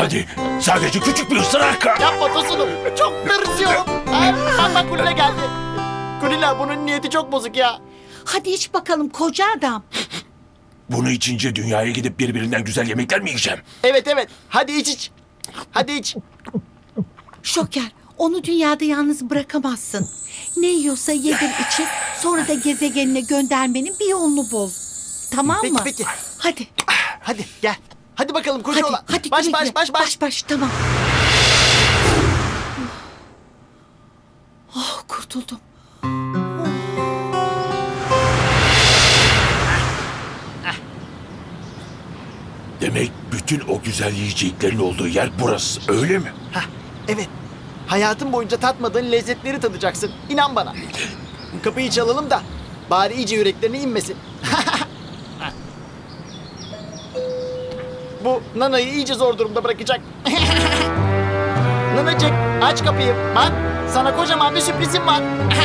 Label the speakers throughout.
Speaker 1: Hadi sadece küçük bir ısırak.
Speaker 2: Yapma Tosun'um. Çok tırsıyorum. Ay, bak Kulina geldi. Kulina bunun niyeti çok bozuk ya.
Speaker 3: Hadi iç bakalım koca adam.
Speaker 1: Bunu içince dünyaya gidip birbirinden güzel yemekler mi yiyeceğim?
Speaker 2: Evet. Hadi iç. Hadi iç.
Speaker 3: Şoker, onu dünyada yalnız bırakamazsın. Ne yiyorsa yedir için, sonra da gezegenine göndermenin bir yolunu bul. Tamam mı?
Speaker 2: Peki.
Speaker 3: Hadi,
Speaker 2: Hadi gel. Hadi bakalım koca oğlan.
Speaker 3: hadi.
Speaker 2: Baş
Speaker 3: güle
Speaker 2: baş
Speaker 3: güle.
Speaker 2: baş baş.
Speaker 3: Baş, tamam. Oh, kurtuldum.
Speaker 1: Demek bütün o güzel yiyeceklerin olduğu yer burası, öyle mi?
Speaker 2: Hah, evet. Hayatın boyunca tatmadığın lezzetleri tadacaksın. İnan bana. Kapıyı çalalım da bari iyice yüreklerine inmesin. Bu Nana'yı iyice zor durumda bırakacak. Nanacık aç kapıyı. Bak sana kocaman bir sürprizim var.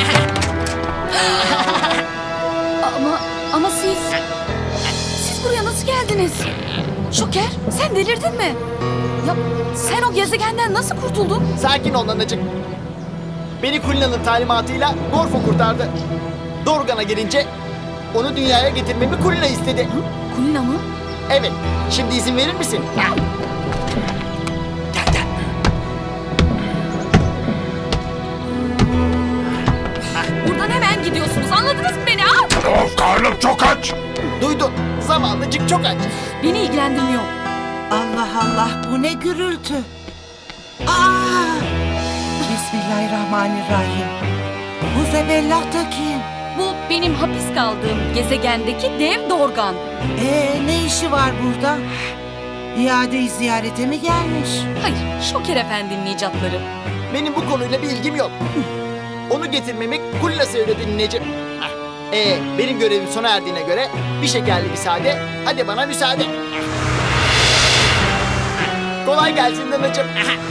Speaker 4: Ama siz buraya nasıl geldiniz? Şoker, sen delirdin mi? Ya sen o gezegenden nasıl kurtuldun?
Speaker 2: Sakin ol Nanacık. Beni Kulina'nın talimatıyla Gorfo kurtardı. Dorgan'a gelince onu dünyaya getirmemi Kulina istedi.
Speaker 4: Kulina mı?
Speaker 2: Evet. Şimdi izin verir misin? Gel.
Speaker 4: Buradan hemen gidiyorsunuz. Anladınız mı beni?
Speaker 1: Of, karnım çok aç.
Speaker 2: Duydun. Zavallıcık çok aç.
Speaker 4: Beni ilgilendirmiyor.
Speaker 3: Allah Allah, bu ne gürültü? Aa! Bismillahirrahmanirrahim. Bu zebellah da kim?
Speaker 4: Bu benim hapis kaldığım gezegendeki dev Dorgan.
Speaker 3: Ne işi var burada? İade-i ziyarete mi gelmiş?
Speaker 4: Hayır, Şoker Efendi'nin icatları.
Speaker 2: Benim bu konuyla bir ilgim yok. Onu getirmemi Kulina söyledi nineciğim. Benim görevim sona erdiğine göre bir şekerli müsaade. Hadi bana müsaade. Kolay gelsin nineciğim.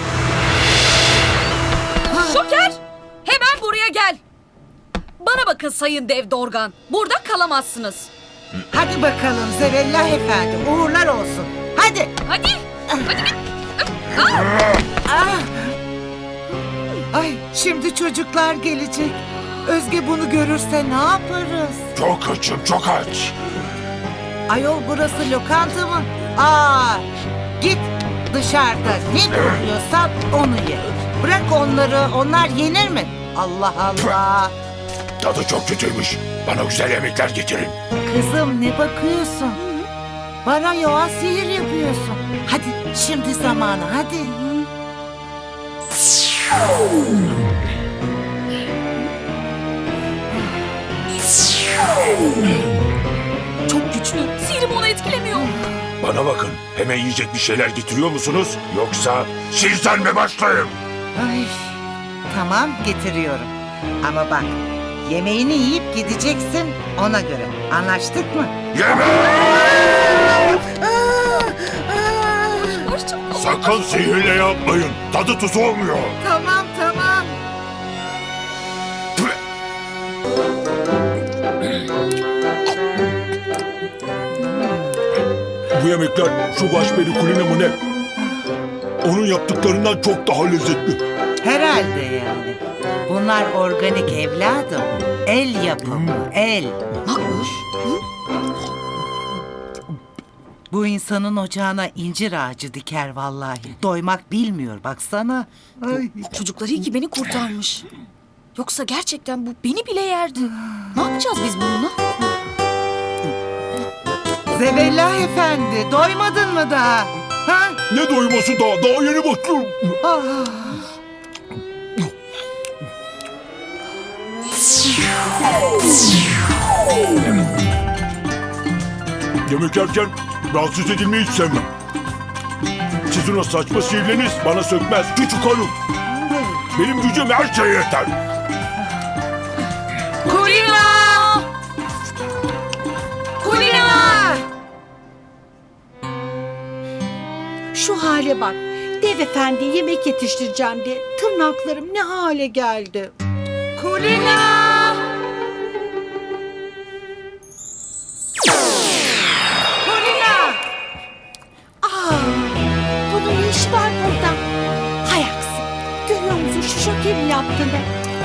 Speaker 4: Şoker, hemen buraya gel. Bana bakın Sayın Dev Dorgan. Burada kalamazsınız.
Speaker 3: Hadi bakalım Zebellah Efendi, uğurlar olsun. Hadi.
Speaker 4: Hadi bir.
Speaker 3: Ah! Ay, şimdi çocuklar gelecek. Özge bunu görürse ne yaparız?
Speaker 1: Çok açım, çok aç.
Speaker 3: Ayol, burası lokanta mı? Git dışarıda ne buluyorsan onu ye. Bırak onları, onlar yenir mi? Allah Allah.
Speaker 1: Tadı çok kötüymüş. Bana güzel yemekler getirin.
Speaker 3: Kızım, ne bakıyorsun? Bana yoğa sihir yapıyorsun. Hadi şimdi zamanı, hadi.
Speaker 4: Çok güçlü. Sihrim onu etkilemiyor.
Speaker 1: Bana bakın, hemen yiyecek bir şeyler getiriyor musunuz? Yoksa sizden mi başlayayım?
Speaker 3: Ay, tamam, getiriyorum. Ama bak, yemeğini yiyip gideceksin ona göre. Anlaştık mı?
Speaker 1: Yemek!
Speaker 4: Hoşça kal.
Speaker 1: Sakın sihirle yapmayın. Tadı tuzu olmuyor.
Speaker 3: Tamam.
Speaker 1: Bu yemekler şu başperi Kulina mı ne? Onun yaptıklarından çok daha lezzetli.
Speaker 3: Herhalde yani. Bunlar organik evladım. El yapımı, el.
Speaker 4: Makbuş.
Speaker 3: Bu insanın ocağına incir ağacı diker vallahi. Doymak bilmiyor baksana. Ay.
Speaker 4: Çocuklar iyi ki beni kurtarmış. Yoksa gerçekten bu beni bile yerdi. Ne yapacağız biz bununla?
Speaker 3: Zebellah Efendi, doymadın mı daha? Ha?
Speaker 1: Ne doyması daha? Daha yeni başlıyorum.
Speaker 3: Ah.
Speaker 1: Yemek yerken rahatsız edilmeyi hiç sevmem. Sizin o saçma sihirleriniz bana sökmez. Küçük hanım. Benim gücüm her şeye yeter.
Speaker 4: Kulina! Kulina!
Speaker 3: Şu hale bak. Dev Efendi yemek yetiştireceğim diye tırnaklarım ne hale geldi.
Speaker 4: Kulina!
Speaker 3: Kulina! Bunun ne işi
Speaker 5: var burada? Hay aksi. Görüyor musun şu şokerin yaptığını?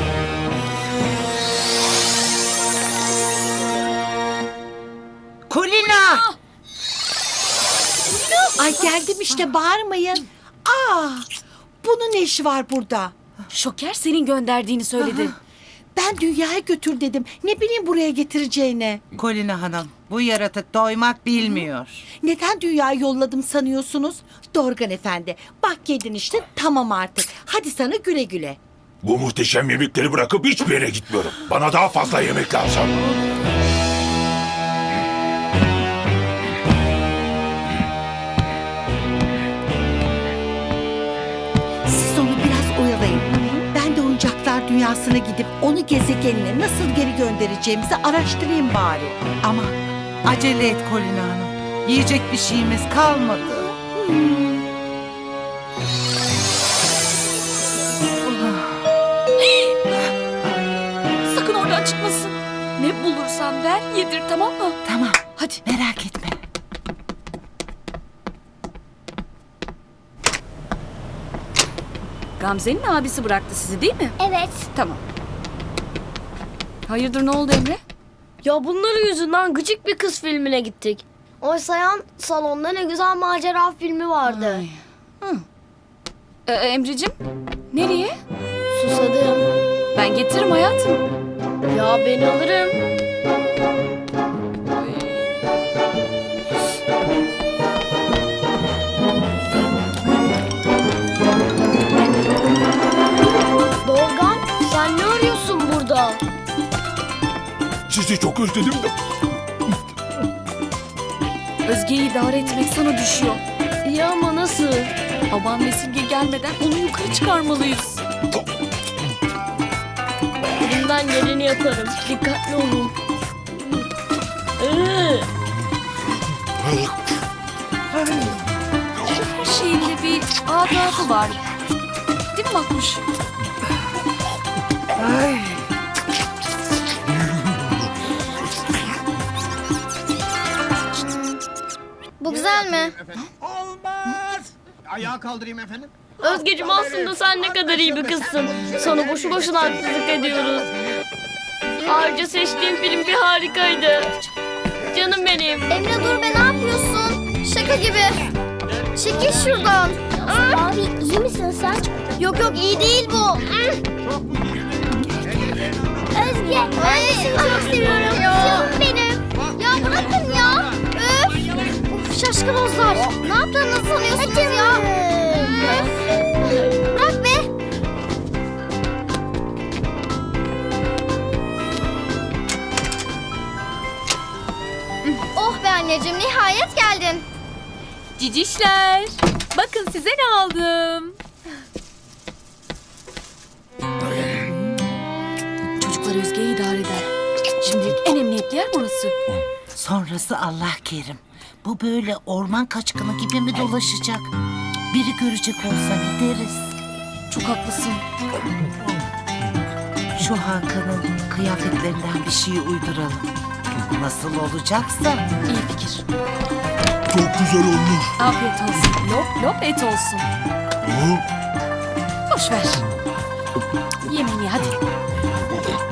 Speaker 3: Kulina!
Speaker 5: Ay geldim işte, bağırmayın. Bunun ne işi var burada?
Speaker 4: Şoker senin gönderdiğini söyledi.
Speaker 5: Ben dünyaya götür dedim. Ne bileyim buraya getireceğini.
Speaker 3: Kulina Hanım, bu yaratık doymak bilmiyor.
Speaker 5: Neden dünyaya yolladım sanıyorsunuz? Dorgan Efendi. Bak yedin işte, tamam artık. Hadi sana güle güle.
Speaker 1: Bu muhteşem yemekleri bırakıp hiçbir yere gitmiyorum. Bana daha fazla yemek lazım.
Speaker 5: Siz onu biraz oyalayın. Ben de oyuncaklar dünyasına gidip onu gezegenine nasıl geri göndereceğimizi araştırayım bari.
Speaker 3: Ama acele et Kulina Hanım. Yiyecek bir şeyimiz kalmadı.
Speaker 4: Sakın oradan çıkmasın. Ne bulursan ver yedir, tamam mı?
Speaker 3: Tamam,
Speaker 4: Hadi.
Speaker 3: merak etme.
Speaker 4: Gamze'nin abisi bıraktı sizi değil mi?
Speaker 6: Evet.
Speaker 4: Tamam. Hayırdır, ne oldu Emre?
Speaker 6: Ya bunların yüzünden gıcık bir kız filmine gittik. Oysa yan salonda ne güzel macera filmi vardı.
Speaker 4: Emre'cim nereye?
Speaker 6: Susadım.
Speaker 4: Ben getiririm hayatım.
Speaker 6: Ya ben alırım. Dorgan, sen ne arıyorsun burada?
Speaker 1: Sizi çok özledim de.
Speaker 4: Özge'yi idare etmek sana düşüyor.
Speaker 6: İyi ama nasıl?
Speaker 4: Baban ve Simge gelmeden onu yukarı çıkarmalıyız.
Speaker 6: Elimden geleni yaparım. Dikkatli olun.
Speaker 4: Her şeyin de bir adatı var. Değil mi Makbuş?
Speaker 6: Bu güzel mi?
Speaker 7: Olmaz. Ayağa kaldırayım efendim.
Speaker 6: Özgeciğim, aslında sen ne kadar iyi bir kızsın. Sana boşu boşuna haksızlık ediyoruz. Ayrıca seçtiğim film bir harikaydı. Canım benim.
Speaker 8: Emre dur be, ne yapıyorsun? Şaka gibi. Çekil şuradan. Abi iyi misin sen? Yok yok, iyi değil bu. Özge, ben de seni çok seviyorum. Canım benim. Ya bırakın ya. Öf. Of, şaşkınozlar. Ne yaptığınızı sanıyorsunuz ya? Öf. Bırak be. Oh be anneciğim, nihayet geldin.
Speaker 4: Cicişler. Bakın size ne aldım. Çocuklar Özge'yi idare eder. Şimdilik en emniyetli yer burası.
Speaker 3: Sonrası Allah kerim. Bu böyle orman kaçkını gibi mi dolaşacak? Biri görecek olsa ne deriz?
Speaker 4: Çok haklısın.
Speaker 3: Şu Hakan'ın kıyafetlerinden bir şey uyduralım. Nasıl olacaksa.
Speaker 4: İyi fikir.
Speaker 1: Çok güzel olmuş.
Speaker 4: Afiyet olsun. Lop lop et olsun. Boş ver. Yemeğini hadi.